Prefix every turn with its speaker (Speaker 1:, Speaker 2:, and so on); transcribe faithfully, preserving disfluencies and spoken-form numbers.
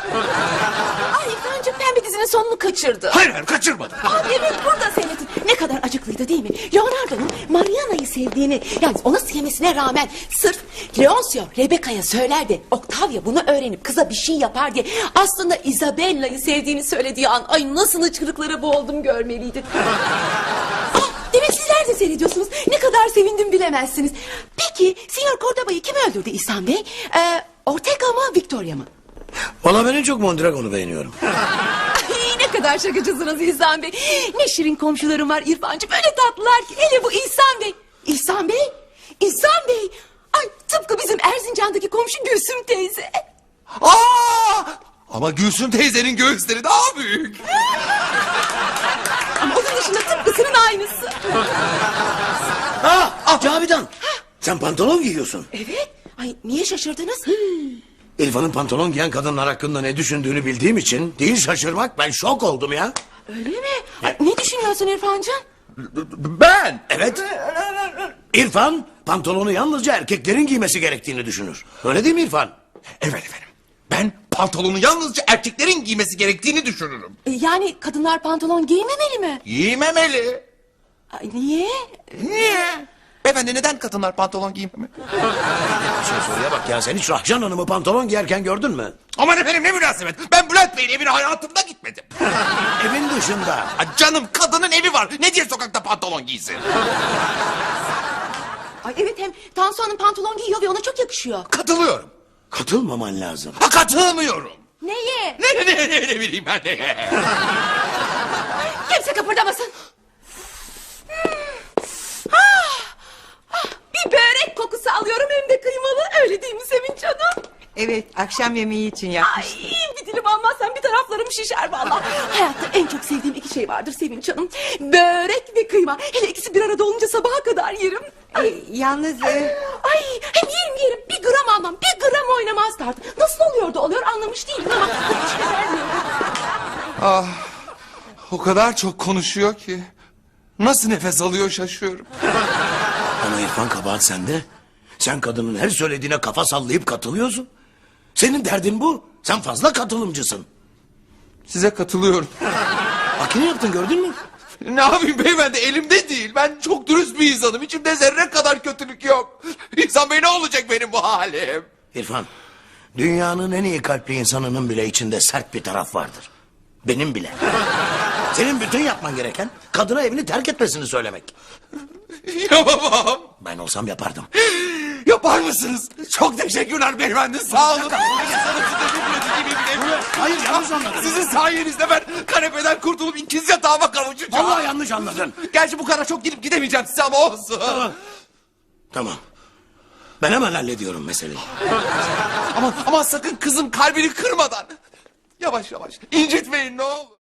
Speaker 1: Ay İrfancığım, Pembe dizinin sonunu kaçırdı.
Speaker 2: Hayır hayır kaçırmadım.
Speaker 1: Aa, evet, burada seyredin. Ne kadar acıklıydı değil mi? Leonardo'nun Mariana'yı sevdiğini, yani ona sevmesine rağmen sırf Leoncio Rebecca'ya söyler de Octavia bunu öğrenip kıza bir şey yapar diye aslında Isabella'yı sevdiğini söylediği an, ay nasıl hıçkırıklara boğuldum görmeliydin. Ah, demek sizler de seyrediyorsunuz. Ne kadar sevindim bilemezsiniz. Peki Signor Cordoba'yı kim öldürdü İhsan Bey? Ee, Ortega mı, Victoria mı?
Speaker 3: Valla ben en çok Mondragon'u beğeniyorum.
Speaker 1: Ay, ne kadar şakacısınız İhsan Bey. Ne şirin komşularım var İrfancığım. Öyle tatlılar ki. Hele bu İhsan Bey. İhsan Bey. İhsan Bey. Ay, tıpkı bizim Erzincan'daki komşu Gülsüm teyze.
Speaker 2: Aa! Ama Gülsüm teyzenin göğüsleri daha büyük.
Speaker 1: Ama onun dışında tıpkısının aynısı.
Speaker 3: Ha, ah, Cavidan. Sen pantolon giyiyorsun.
Speaker 1: Evet. Ay, niye şaşırdınız?
Speaker 3: İrfan'ın pantolon giyen kadınlar hakkında ne düşündüğünü bildiğim için değil şaşırmak, ben şok oldum ya.
Speaker 1: Öyle mi? Ay, ne düşünüyorsun İrfancığım?
Speaker 2: Ben.
Speaker 3: Evet. İrfan pantolonu yalnızca erkeklerin giymesi gerektiğini düşünür. Öyle değil mi İrfan?
Speaker 2: Evet efendim. Ben pantolonu yalnızca erkeklerin giymesi gerektiğini düşünürüm.
Speaker 1: E, yani kadınlar pantolon giymemeli mi?
Speaker 2: Giymemeli.
Speaker 1: Ay, niye?
Speaker 2: Niye? Beyefendi neden kadınlar pantolon giymemeli?
Speaker 3: Bir şey soruya bak ya, sen hiç Rahcan Hanım'ı pantolon giyerken gördün mü?
Speaker 2: Aman efendim ne münasebet. Ben Bülent Bey'in evine hayatımda gitmedim.
Speaker 3: Evin dışında.
Speaker 2: Ha, canım kadının evi var. Ne diye sokakta pantolon giysin?
Speaker 1: Ay, evet, hem Tansu Hanım pantolon giyiyor ve ona çok yakışıyor.
Speaker 2: Katılıyorum.
Speaker 3: Katılmaman lazım.
Speaker 2: Ha katılmıyorum.
Speaker 1: Neye?
Speaker 2: Ne ne ne ne bileyim ben ne.
Speaker 1: Kimse kıpırdamasın. Ah, ah, bir börek kokusu alıyorum, hem de kıymalı. Öyle değil mi Sevinç Hanım?
Speaker 4: Evet, akşam yemeği için
Speaker 1: Ay,
Speaker 4: yapmıştım.
Speaker 1: bir dilim almazsam bir taraflarım şişer vallahi. Hayatta en çok sevdiğim iki şey vardır Sevinç Hanım. Börek ve kıyma. Hele ikisi bir arada olunca sabaha kadar yerim.
Speaker 4: Ee, yalnız... e,
Speaker 1: Ay, hem yerim yerim, bir gram almam, bir gram oynamaz tartı. Nasıl oluyor da oluyor anlamış değilim ama hiç de vermiyorum.
Speaker 2: Ah, o kadar çok konuşuyor ki. Nasıl nefes alıyor şaşıyorum.
Speaker 3: Ama İrfan, kabahat sende. Sen kadının her söylediğine kafa sallayıp katılıyorsun. Senin derdin bu. Sen fazla katılımcısın.
Speaker 2: Size katılıyorum.
Speaker 3: Bak ne yaptın, gördün mü?
Speaker 2: Ne yapayım beyefendi, elimde değil. Ben çok dürüst bir insanım. İçimde zerre kadar kötülük yok. İnsan Bey, ne olacak benim bu halim?
Speaker 3: İrfan, dünyanın en iyi kalpli insanının bile içinde sert bir taraf vardır. Benim bile. Senin bütün yapman gereken kadına evini terk etmesini söylemek.
Speaker 2: Yapamam.
Speaker 3: Ben olsam yapardım.
Speaker 2: Yapar mısınız? Çok teşekkürler beyefendi, sağ olun.
Speaker 3: Hayır, yanlış anladın.
Speaker 2: Sizin sayenizde ben kanepeden kurtulup ikiz yatağıma kavuşacağım.
Speaker 3: Vallahi yanlış anladın.
Speaker 2: Gerçi bu kadar çok gidip gidemeyeceğim size ama olsun.
Speaker 3: Tamam. Tamam. Ben hemen hallediyorum meseleyi.
Speaker 2: Ama, ama sakın kızın kalbini kırmadan. Yavaş yavaş incitmeyin ne olur.